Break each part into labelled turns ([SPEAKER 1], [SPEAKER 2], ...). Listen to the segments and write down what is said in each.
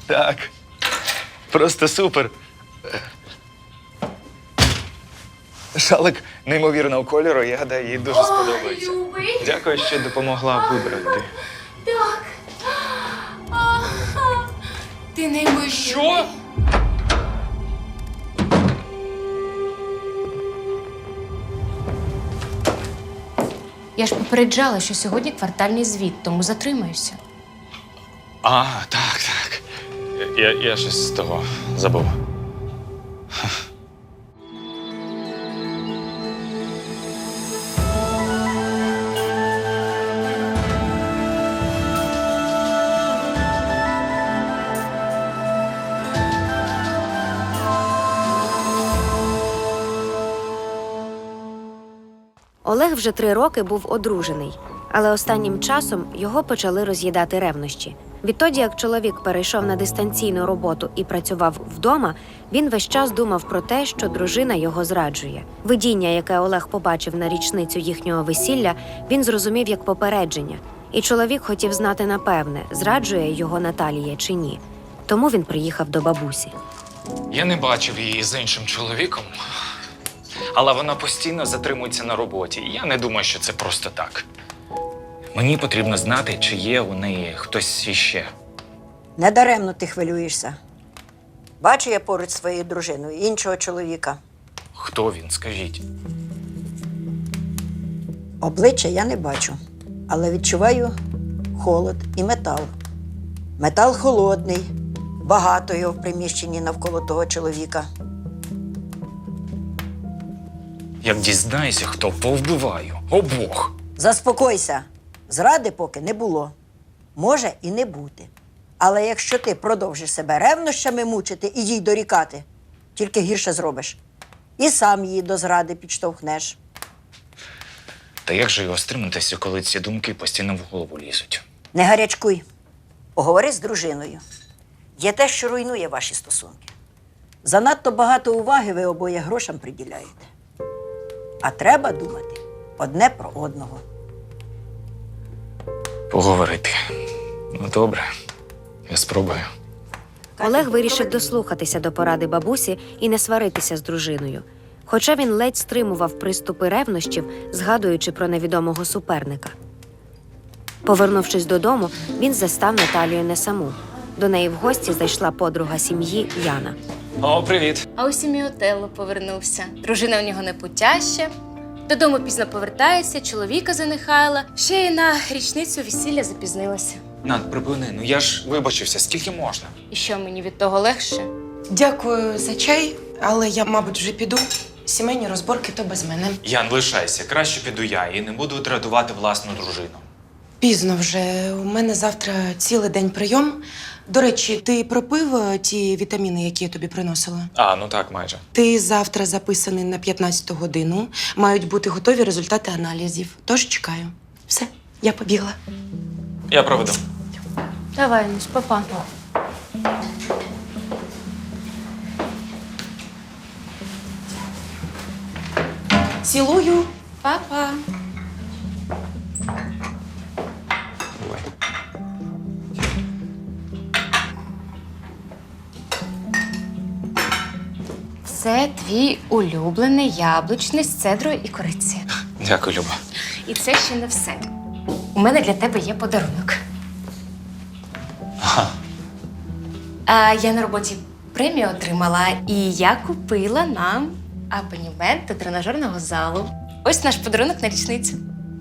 [SPEAKER 1] Так. Просто супер. Шалик неймовірного кольору, я гадаю, їй дуже сподобається.
[SPEAKER 2] Любий.
[SPEAKER 1] Дякую, що допомогла вибрати.
[SPEAKER 2] Так. Ти неймовірний.
[SPEAKER 1] Що?
[SPEAKER 2] Я ж попереджала, що сьогодні квартальний звіт, тому затримаюся.
[SPEAKER 1] А, так. Я щось з того забув.
[SPEAKER 3] Олег вже 3 роки був одружений, але останнім часом його почали роз'їдати ревнощі. Відтоді, як чоловік перейшов на дистанційну роботу і працював вдома, він весь час думав про те, що дружина його зраджує. Видіння, яке Олег побачив на річницю їхнього весілля, він зрозумів як попередження. І чоловік хотів знати напевне, зраджує його Наталія чи ні. Тому він приїхав до бабусі.
[SPEAKER 1] Я не бачив її з іншим чоловіком, але вона постійно затримується на роботі. І я не думаю, що це просто так. Мені потрібно знати, чи є у неї хтось іще.
[SPEAKER 4] Недаремно ти хвилюєшся. Бачу я поруч зі своєю дружиною іншого чоловіка.
[SPEAKER 1] Хто він, скажіть?
[SPEAKER 4] Обличчя я не бачу, але відчуваю холод і метал. Метал холодний, багато його в приміщенні навколо того чоловіка.
[SPEAKER 1] Як дізнаюся, хто, повбиваю. Обох.
[SPEAKER 4] Заспокойся. Зради поки не було. Може і не бути. Але якщо ти продовжиш себе ревнощами мучити і їй дорікати, тільки гірше зробиш. І сам її до зради підштовхнеш.
[SPEAKER 1] Та як же його стриматися, коли ці думки постійно в голову лізуть?
[SPEAKER 4] Не гарячкуй. Поговори з дружиною. Є те, що руйнує ваші стосунки. Занадто багато уваги ви обоє грошам приділяєте. А треба думати одне про одного.
[SPEAKER 1] Поговорити. Ну, добре. Я спробую.
[SPEAKER 3] Олег вирішив дослухатися до поради бабусі і не сваритися з дружиною. Хоча він ледь стримував приступи ревнощів, згадуючи про невідомого суперника. Повернувшись додому, він застав Наталію не саму. До неї в гості зайшла подруга сім'ї Яна.
[SPEAKER 1] О, привіт.
[SPEAKER 2] А ось і мій Отелло повернувся. Дружина у нього непутяща. Додому пізно повертається, чоловіка занехаяла. Ще й на річницю весілля запізнилася.
[SPEAKER 1] Над, припини, ну я ж вибачився, скільки можна?
[SPEAKER 2] І що, мені від того легше?
[SPEAKER 5] Дякую за чай, але я, мабуть, вже піду. Сімейні розборки то без мене.
[SPEAKER 1] Ян, лишайся, краще піду я і не буду дратувати власну дружину.
[SPEAKER 5] Пізно вже. У мене завтра цілий день прийом. До речі, ти пропив ті вітаміни, які я тобі приносила?
[SPEAKER 1] А, ну так, майже.
[SPEAKER 5] Ти завтра записаний на 15-ту годину. Мають бути готові результати аналізів. Тож чекаю. Все, я побігла.
[SPEAKER 1] Я проведу.
[SPEAKER 2] Давай, Нусь, папа.
[SPEAKER 5] Цілую.
[SPEAKER 2] Папа.
[SPEAKER 1] Ой.
[SPEAKER 2] Це твій улюблений яблучний з цедрою і кориці.
[SPEAKER 1] Дякую, Люба.
[SPEAKER 2] І це ще не все. У мене для тебе є подарунок.
[SPEAKER 1] Ага.
[SPEAKER 2] Я на роботі премію отримала, і я купила нам абонемент до тренажерного залу. Ось наш подарунок на річницю.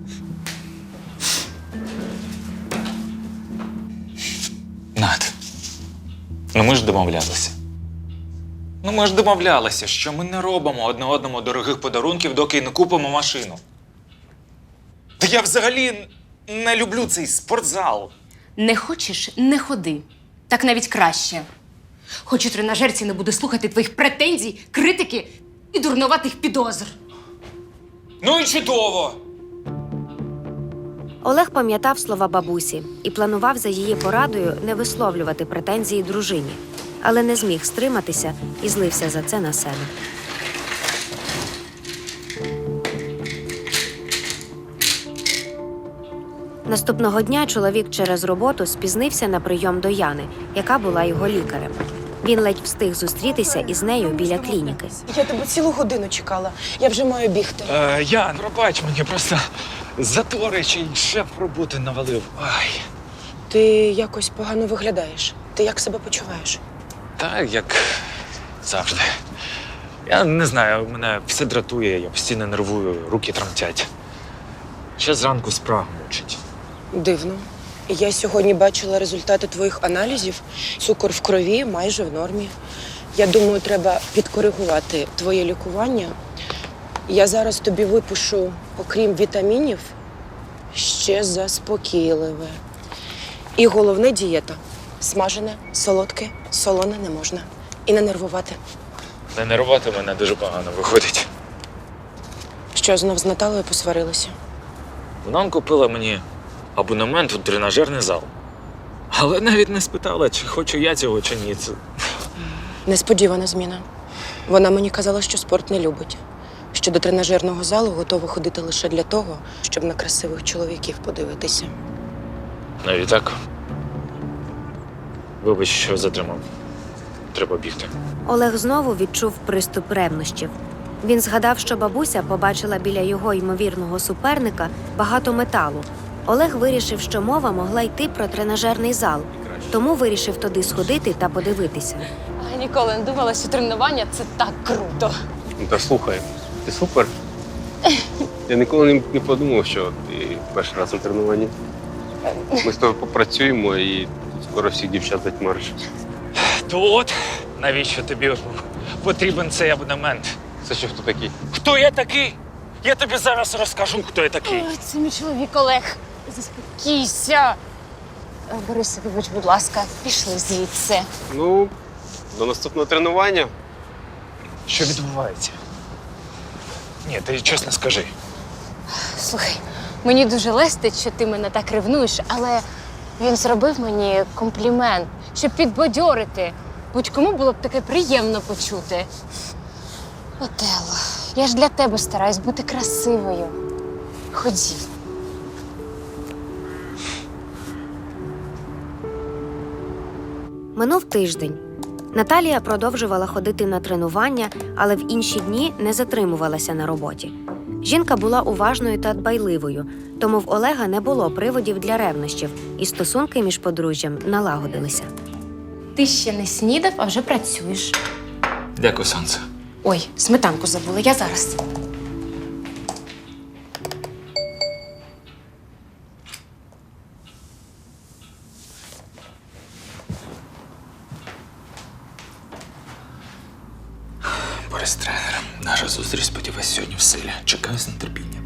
[SPEAKER 1] Над. Ну ми ж домовлялися. Ну ми ж домовлялися, що ми не робимо одне одному дорогих подарунків, доки не купимо машину. Та я взагалі не люблю цей спортзал.
[SPEAKER 2] Не хочеш – не ходи. Так навіть краще. Хоч у тренажерці не буде слухати твоїх претензій, критики і дурнуватих підозр.
[SPEAKER 1] Ну і чудово!
[SPEAKER 3] Олег пам'ятав слова бабусі і планував за її порадою не висловлювати претензії дружині, але не зміг стриматися і злився за це на себе. Наступного дня чоловік через роботу спізнився на прийом до Яни, яка була його лікарем. Він ледь встиг зустрітися із нею біля клініки.
[SPEAKER 5] Я тебе цілу годину чекала. Я вже маю бігти.
[SPEAKER 1] Ян, пробач мені, просто затори чи шеф роботи навалив. Ай.
[SPEAKER 5] Ти якось погано виглядаєш. Ти як себе почуваєш?
[SPEAKER 1] Так, як завжди. Я не знаю, мене все дратує, я постійно нервую, руки тремтять. Ще зранку спрага мучить.
[SPEAKER 5] Дивно. Я сьогодні бачила результати твоїх аналізів. Цукор в крові майже в нормі. Я думаю, треба підкоригувати твоє лікування. Я зараз тобі випишу, окрім вітамінів, ще заспокійливе. І головне – дієта. Смажене, солодке, солоне не можна. І не нервувати.
[SPEAKER 1] Не нервувати мене дуже погано виходить.
[SPEAKER 5] Що, знов з Наталею посварилися?
[SPEAKER 1] Вона купила мені абонемент у тренажерний зал. Але навіть не спитала, чи хочу я цього, чи ні. Це...
[SPEAKER 5] Несподівана зміна. Вона мені казала, що спорт не любить. Що до тренажерного залу готова ходити лише для того, щоб на красивих чоловіків подивитися.
[SPEAKER 1] Навіть так. Вибач, що затримав. Треба бігти.
[SPEAKER 3] Олег знову відчув приступ ревнощів. Він згадав, що бабуся побачила біля його ймовірного суперника багато металу. Олег вирішив, що мова могла йти про тренажерний зал, тому вирішив туди сходити та подивитися.
[SPEAKER 2] А ніколи не думала, що тренування це так круто.
[SPEAKER 6] Ну, та слухай, ти супер. Я ніколи не подумав, що ти перший раз на тренуванні. Ми з тобою попрацюємо і скоро всіх дівчат затьмариш.
[SPEAKER 1] То от, навіщо тобі потрібен цей абонемент?
[SPEAKER 6] Це що, хто такий?
[SPEAKER 1] Хто я такий? Я тобі зараз розкажу, хто я такий.
[SPEAKER 2] Ой, це мій чоловік Олег. Заспокійся. Борисе, вибач, будь ласка, пішли звідси.
[SPEAKER 6] Ну, до наступного тренування.
[SPEAKER 1] Що відбувається? Ні, ти чесно скажи.
[SPEAKER 2] Слухай, мені дуже лестить, що ти мене так ревнуєш, але він зробив мені комплімент, щоб підбадьорити. Будь-кому було б таке приємно почути. Отелло, я ж для тебе стараюсь бути красивою. Ходім.
[SPEAKER 3] Минув тиждень. Наталія продовжувала ходити на тренування, але в інші дні не затримувалася на роботі. Жінка була уважною та дбайливою, тому в Олега не було приводів для ревнощів, і стосунки між подружжям налагодилися.
[SPEAKER 2] Ти ще не снідав, а вже працюєш.
[SPEAKER 1] Дякую, сонце.
[SPEAKER 2] Ой, сметанку забула, я зараз.
[SPEAKER 1] Борис тренер. Наша зустріч, сподіваюсь, сьогодні в силі. Чекаю з нетерпінням.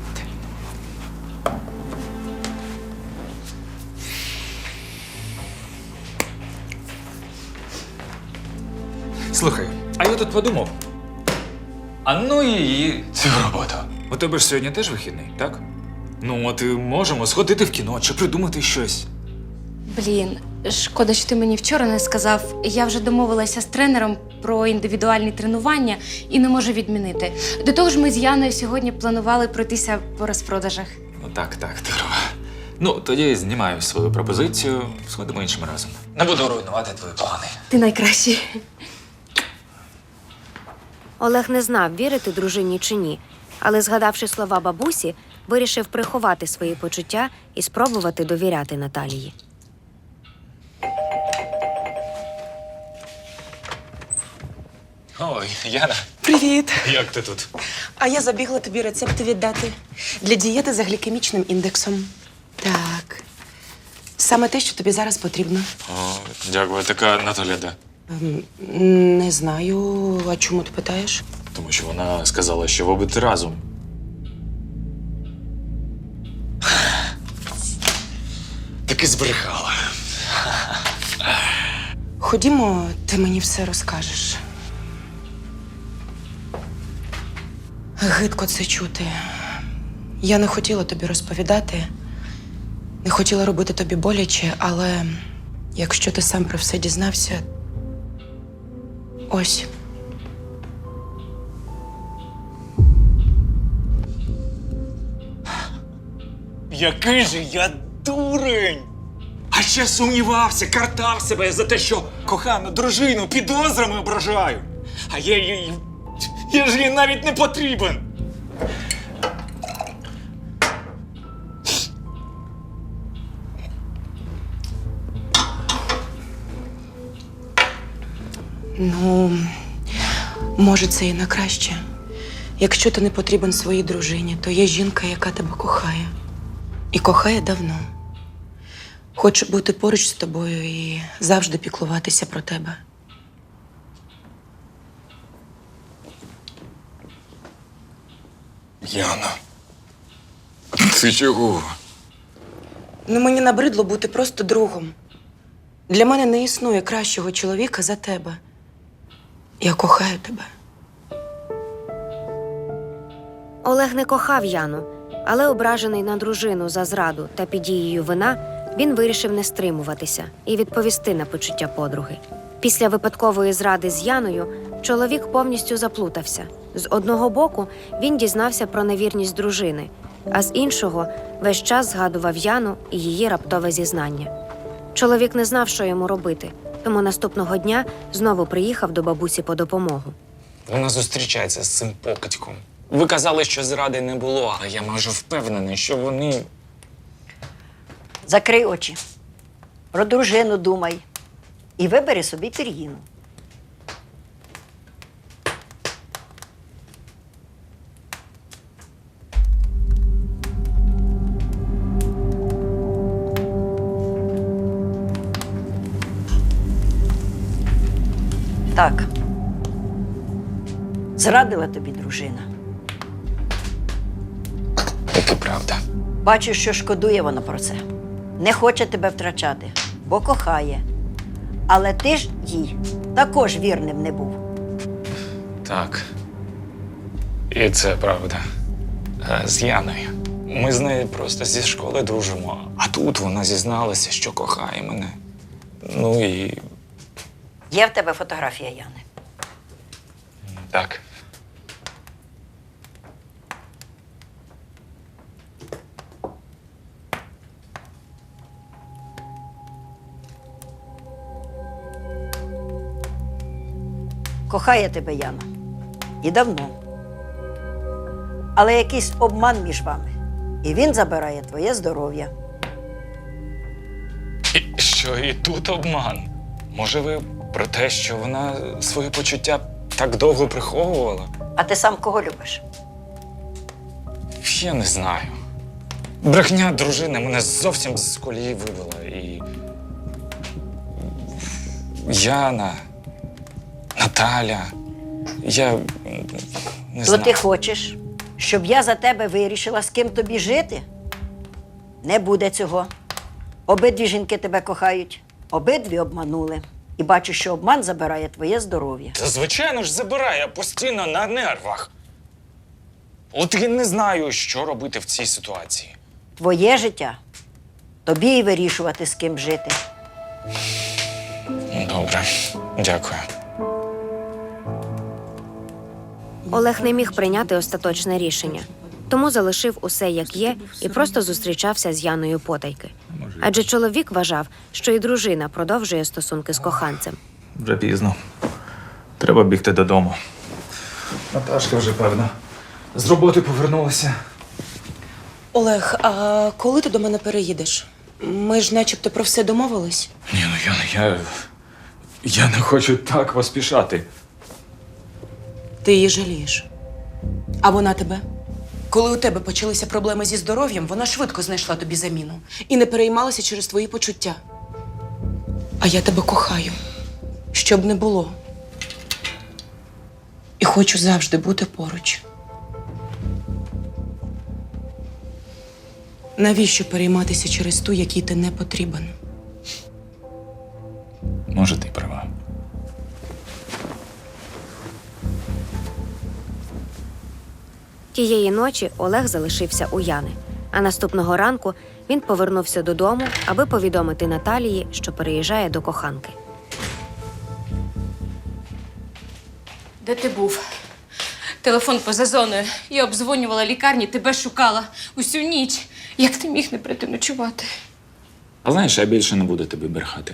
[SPEAKER 1] Слухай, а я тут подумав. А ну її цю роботу. У тебе ж сьогодні теж вихідний, так? Ну, от і можемо сходити в кіно чи придумати щось.
[SPEAKER 2] Блін, шкода, що ти мені вчора не сказав. Я вже домовилася з тренером про індивідуальні тренування і не можу відмінити. До того ж, ми з Яною сьогодні планували пройтися по розпродажах.
[SPEAKER 1] Ну так, здорово. Ну, тоді знімаю свою пропозицію, сходимо іншим разом. Не буду руйнувати твої плани.
[SPEAKER 2] Ти найкращий.
[SPEAKER 3] Олег не знав, вірити дружині чи ні, але, згадавши слова бабусі, вирішив приховати свої почуття і спробувати довіряти Наталії.
[SPEAKER 1] Ой, Яна,
[SPEAKER 5] Привіт!
[SPEAKER 1] як ти тут?
[SPEAKER 5] А я забігла тобі рецепти віддати для дієти за глікемічним індексом. Так. Саме те, що тобі зараз потрібно.
[SPEAKER 1] О, дякую, така Наталя, де?
[SPEAKER 5] Не знаю. А чому ти питаєш?
[SPEAKER 1] Тому що вона сказала, що ви будете разом. Таки збрехала.
[SPEAKER 5] Ходімо, ти мені все розкажеш. Гидко це чути. Я не хотіла тобі розповідати, не хотіла робити тобі боляче, але якщо ти сам про все дізнався, ось.
[SPEAKER 1] Який же я дурень! А ще сумнівався, картав себе за те, що кохану дружину підозрами ображаю. А я ж їй навіть не потрібен.
[SPEAKER 5] Ну, може, це і на краще. Якщо ти не потрібен своїй дружині, то є жінка, яка тебе кохає. І кохає давно. Хоче бути поруч з тобою і завжди піклуватися про тебе.
[SPEAKER 1] Яна, ти чого?
[SPEAKER 5] Ну, мені набридло бути просто другом. Для мене не існує кращого чоловіка за тебе. Я кохаю тебе.
[SPEAKER 3] Олег не кохав Яну, але ображений на дружину за зраду та під дією вина, він вирішив не стримуватися і відповісти на почуття подруги. Після випадкової зради з Яною чоловік повністю заплутався. З одного боку він дізнався про невірність дружини, а з іншого весь час згадував Яну і її раптове зізнання. Чоловік не знав, що йому робити, тому наступного дня знову приїхав до бабусі по допомогу.
[SPEAKER 1] Вона зустрічається з цим покидьком. Ви казали, що зради не було, але я майже впевнений, що вони…
[SPEAKER 4] Закрий очі. Про дружину думай. І вибери собі пір'їну. Так. Зрадила тобі дружина.
[SPEAKER 1] Це правда.
[SPEAKER 4] Бачу, що шкодує вона про це. Не хоче тебе втрачати, бо кохає. Але ти ж їй також вірним не був.
[SPEAKER 1] Так. І це правда. З Яною. Ми з нею просто зі школи дружимо. А тут вона зізналася, що кохає мене. Ну і
[SPEAKER 4] Є в тебе фотографія Яни.
[SPEAKER 1] так.
[SPEAKER 4] Кохає тебе Яна. І давно. Але якийсь обман між вами. І він забирає твоє здоров'я.
[SPEAKER 1] І що і тут обман? Може, ви про те, що вона свої почуття так довго приховувала?
[SPEAKER 4] А ти сам кого любиш?
[SPEAKER 1] Я не знаю. Брехня дружини мене зовсім з колії вивела. І Яна, Наталя, я не
[SPEAKER 4] То
[SPEAKER 1] знаю.
[SPEAKER 4] ти хочеш, щоб я за тебе вирішила, з ким тобі жити? Не буде цього. Обидві жінки тебе кохають, обидві обманули. І бачу, що обман забирає твоє здоров'я.
[SPEAKER 1] Та звичайно ж забирає, я постійно на нервах. От я не знаю, що робити в цій ситуації.
[SPEAKER 4] Твоє життя тобі і вирішувати, з ким жити.
[SPEAKER 1] Добре, дякую.
[SPEAKER 3] Олег не міг прийняти остаточне рішення, тому залишив усе як є і просто зустрічався з Яною потайки. Адже чоловік вважав, що і дружина продовжує стосунки з коханцем.
[SPEAKER 1] Вже пізно. Треба бігти додому. Наташка вже, певно, з роботи повернулася.
[SPEAKER 5] Олег, а коли ти до мене переїдеш? Ми ж начебто про все домовились.
[SPEAKER 1] Ні, ну я не хочу так поспішати.
[SPEAKER 5] Ти її жалієш. А вона тебе? Коли у тебе почалися проблеми зі здоров'ям, вона швидко знайшла тобі заміну і не переймалася через твої почуття. А я тебе кохаю, щоб не було. І хочу завжди бути поруч. Навіщо перейматися через ту, якій ти не потрібен?
[SPEAKER 1] Може, ти й права.
[SPEAKER 3] Тієї ночі Олег залишився у Яни, а наступного ранку він повернувся додому, аби повідомити Наталії, що переїжджає до коханки.
[SPEAKER 2] Де ти був? Телефон поза зоною. Я обдзвонювала лікарні, тебе шукала усю ніч. Як ти міг не прийти ночувати?
[SPEAKER 1] А знаєш, я більше не буду тобі брехати.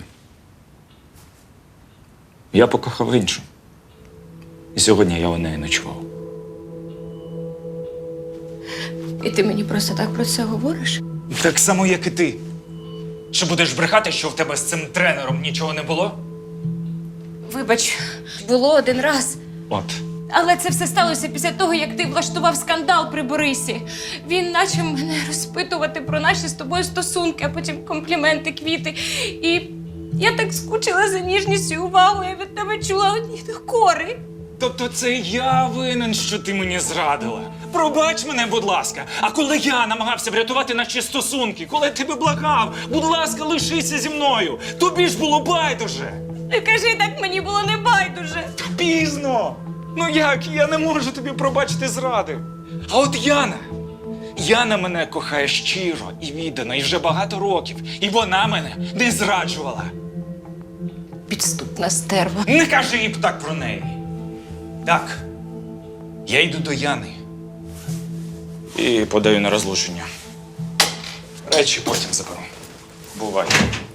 [SPEAKER 1] Я покохав іншу. І сьогодні я у неї ночував.
[SPEAKER 2] І ти мені просто так про це говориш?
[SPEAKER 1] Так само, як і ти. Що будеш брехати, що в тебе з цим тренером нічого не було?
[SPEAKER 2] Вибач, було один раз.
[SPEAKER 1] От.
[SPEAKER 2] Але це все сталося після того, як ти влаштував скандал при Борисі. Він почав мене розпитувати про наші з тобою стосунки, а потім компліменти, квіти. І я так скучила за ніжністю і увагою, я від тебе чула одні докори.
[SPEAKER 1] Тобто це я винен, що ти мені зрадила. Пробач мене, будь ласка. А коли я намагався врятувати наші стосунки, коли я тебе благав, будь ласка, лишися зі мною. Тобі ж було байдуже.
[SPEAKER 2] Не кажи так, мені було не байдуже.
[SPEAKER 1] Пізно. Ну як? Я не можу тобі пробачити зради. А от Яна мене кохає щиро і віддано, і вже багато років. І вона мене не зраджувала.
[SPEAKER 2] Підступна стерва.
[SPEAKER 1] Не кажи їй так про неї. Так, я йду до Яни і подаю на розлучення. Речі потім заберу. Бувай.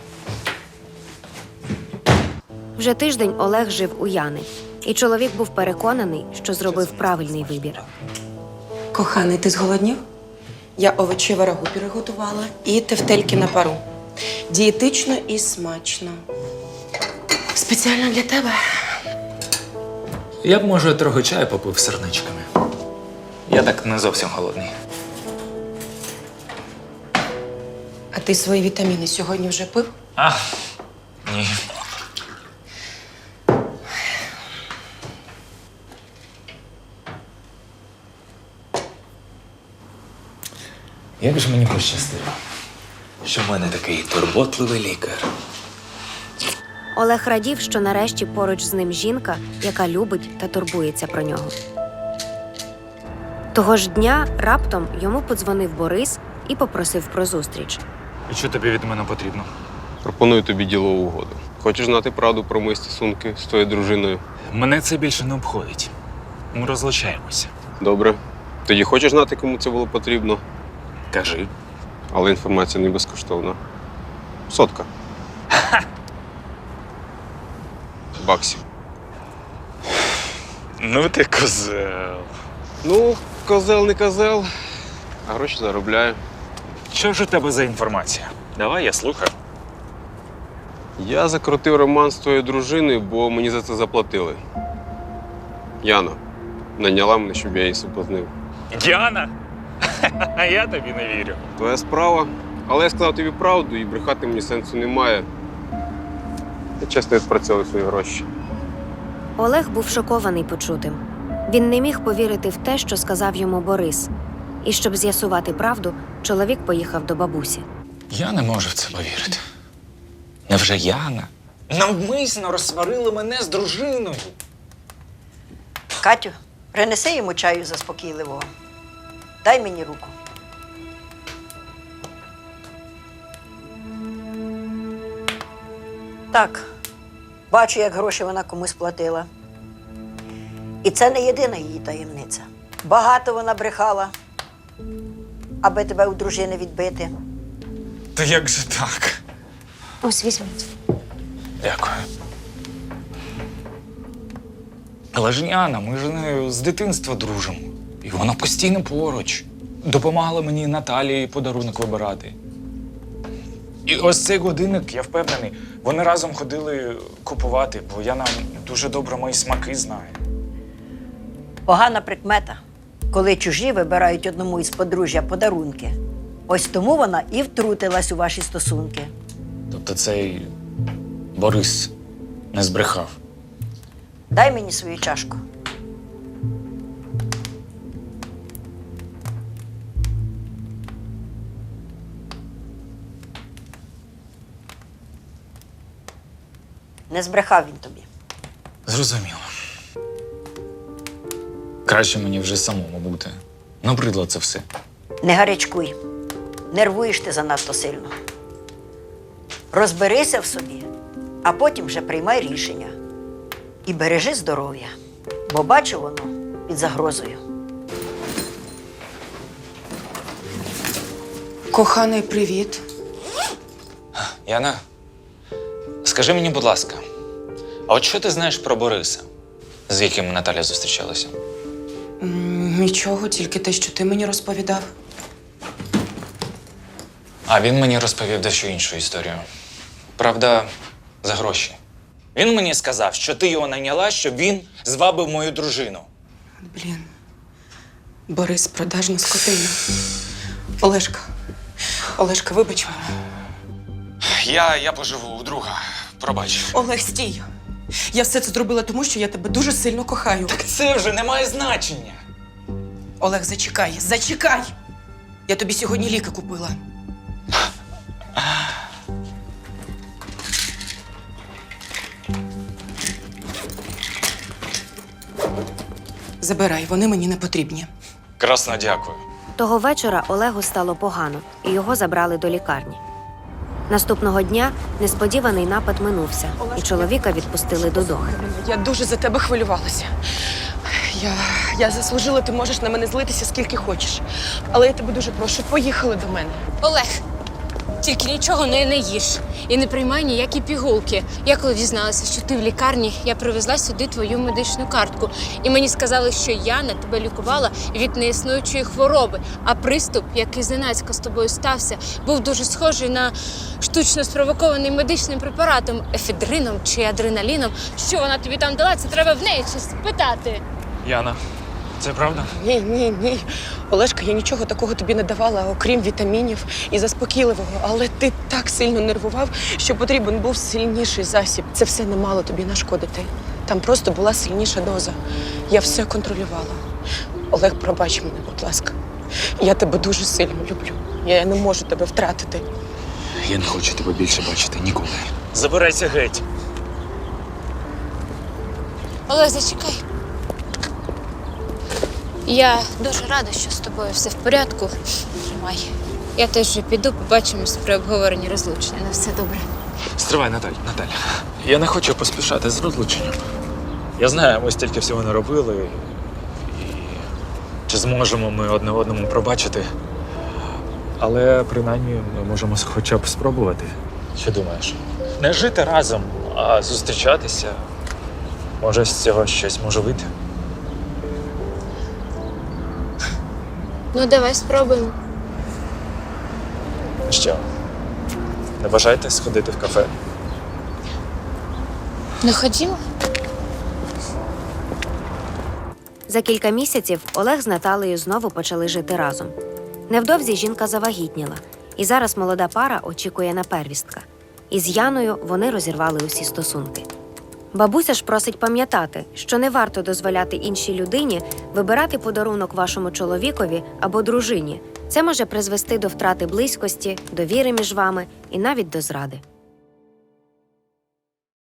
[SPEAKER 3] Вже тиждень Олег жив у Яни, і чоловік був переконаний, що зробив правильний вибір.
[SPEAKER 5] Коханий, ти зголоднів? Я овочеве рагу приготувала і тефтельки на пару. Дієтично і смачно. Спеціально для тебе.
[SPEAKER 1] Я б, може, трохи чаю попив з сирничками. Я так не зовсім голодний.
[SPEAKER 5] А ти свої вітаміни сьогодні вже пив?
[SPEAKER 1] А, ні. Як же мені пощастило, що в мене такий турботливий лікар.
[SPEAKER 3] Олег радів, що нарешті поруч з ним жінка, яка любить та турбується про нього. Того ж дня раптом йому подзвонив Борис і попросив про зустріч.
[SPEAKER 1] І що тобі від мене потрібно?
[SPEAKER 6] Пропоную тобі ділову угоду. Хочеш знати правду про мої стосунки з твоєю дружиною?
[SPEAKER 1] Мене це більше не обходить. Ми розлучаємося.
[SPEAKER 6] Добре. Тоді хочеш знати, кому це було потрібно?
[SPEAKER 1] Кажи.
[SPEAKER 6] Але інформація не безкоштовна. 100 баксів.
[SPEAKER 1] Ну ти козел.
[SPEAKER 6] Ну, козел не козел, а гроші заробляю.
[SPEAKER 1] Що ж у тебе за інформація? Давай, я слухаю.
[SPEAKER 6] Я закрутив роман з твоєю дружиною, бо мені за це заплатили. Яна наняла мене, щоб я її соблазнив.
[SPEAKER 1] Діана? А я тобі не вірю.
[SPEAKER 6] Твоя справа. Але я сказав тобі правду, і брехати мені сенсу немає. Я чесно відпрацьовую свої гроші.
[SPEAKER 3] Олег був шокований почутим. Він не міг повірити в те, що сказав йому Борис. І щоб з'ясувати правду, чоловік поїхав до бабусі.
[SPEAKER 1] Я не можу в це повірити. Невже Яна навмисно розсварила мене з дружиною?
[SPEAKER 4] Катю, принеси йому чаю заспокійливого. Дай мені руку. Так, бачу, як гроші вона комусь платила. І це не єдина її таємниця. Багато вона брехала, аби тебе у дружини відбити.
[SPEAKER 1] Та як же так?
[SPEAKER 2] Ось візьміть.
[SPEAKER 1] Дякую. Але ж Яна, ми ж з нею з дитинства дружимо. І вона постійно поруч. Допомагала мені Наталії подарунок вибирати. І ось цей годинник, я впевнений, вони разом ходили купувати, бо Яна дуже добре мої смаки знає.
[SPEAKER 4] Погана прикмета, коли чужі вибирають одному із подружжя подарунки. Ось тому вона і втрутилась у ваші стосунки.
[SPEAKER 1] Тобто цей Борис не збрехав.
[SPEAKER 4] Дай мені свою чашку. Не збрехав він тобі.
[SPEAKER 1] Зрозуміло. Краще мені вже самому бути. Набридло це все.
[SPEAKER 4] Не гарячкуй. Нервуєш ти занадто сильно. Розберися в собі, а потім вже приймай рішення. І бережи здоров'я, бо бачу воно під загрозою.
[SPEAKER 5] Коханий, привіт.
[SPEAKER 1] Яна, скажи мені, будь ласка, а от що ти знаєш про Бориса, з яким Наталя зустрічалася?
[SPEAKER 5] Нічого, тільки те, що ти мені розповідав.
[SPEAKER 1] А він мені розповів дещо іншу історію. Правда, за гроші. Він мені сказав, що ти його найняла, щоб він звабив мою дружину.
[SPEAKER 5] Блін. Борис, продажна скотина. Олешка, вибач мене.
[SPEAKER 1] Я поживу у друга. Пробач.
[SPEAKER 5] Олег, стій. Я все це зробила тому, що я тебе дуже сильно кохаю.
[SPEAKER 1] Так це вже не має значення.
[SPEAKER 5] Олег, зачекай! Я тобі сьогодні ліки купила. Забирай, вони мені не потрібні.
[SPEAKER 1] Красно дякую.
[SPEAKER 3] Того вечора Олегу стало погано, і його забрали до лікарні. Наступного дня несподіваний напад минувся, і чоловіка відпустили додому.
[SPEAKER 5] Я дуже за тебе хвилювалася. Я заслужила, ти можеш на мене злитися скільки хочеш. Але я тебе дуже прошу, поїхали до мене.
[SPEAKER 2] Олег, тільки нічого не їж і не приймай ніякі пігулки. Я коли дізналася, що ти в лікарні, я привезла сюди твою медичну картку. І мені сказали, що Яна тебе лікувала від неіснуючої хвороби. А приступ, який зненацька з тобою стався, був дуже схожий на штучно спровокований медичним препаратом, ефедрином чи адреналіном. Що вона тобі там дала, це треба в неї щось спитати.
[SPEAKER 1] Яна, це правда?
[SPEAKER 5] Ні. Олешка, я нічого такого тобі не давала, окрім вітамінів і заспокійливого. Але ти так сильно нервував, що потрібен був сильніший засіб. Це все не мало тобі нашкодити. Там просто була сильніша доза. Я все контролювала. Олег, пробач мене, будь ласка. Я тебе дуже сильно люблю. Я не можу тебе втратити.
[SPEAKER 1] Я не хочу тебе більше бачити ніколи. Забирайся геть.
[SPEAKER 2] Олег, зачекай. Я дуже рада, що з тобою все в порядку. Тримай. Я теж вже піду, побачимось при обговоренні розлучення. На все добре.
[SPEAKER 1] Стривай, Наталя. Я не хочу поспішати з розлученням. Я знаю, ми стільки всього не робили. І чи зможемо ми одне одному пробачити. Але принаймні ми можемо хоча б спробувати. Що думаєш? Не жити разом, а зустрічатися. Може, з цього щось може вийти.
[SPEAKER 2] Ну, давай спробуємо.
[SPEAKER 1] Що? Не бажаєте сходити в кафе?
[SPEAKER 2] Ну, ходімо.
[SPEAKER 3] За кілька місяців Олег з Наталею знову почали жити разом. Невдовзі жінка завагітніла, і зараз молода пара очікує на первістка. Із Яною вони розірвали усі стосунки. Бабуся ж просить пам'ятати, що не варто дозволяти іншій людині вибирати подарунок вашому чоловікові або дружині. Це може призвести до втрати близькості, довіри між вами і навіть до зради.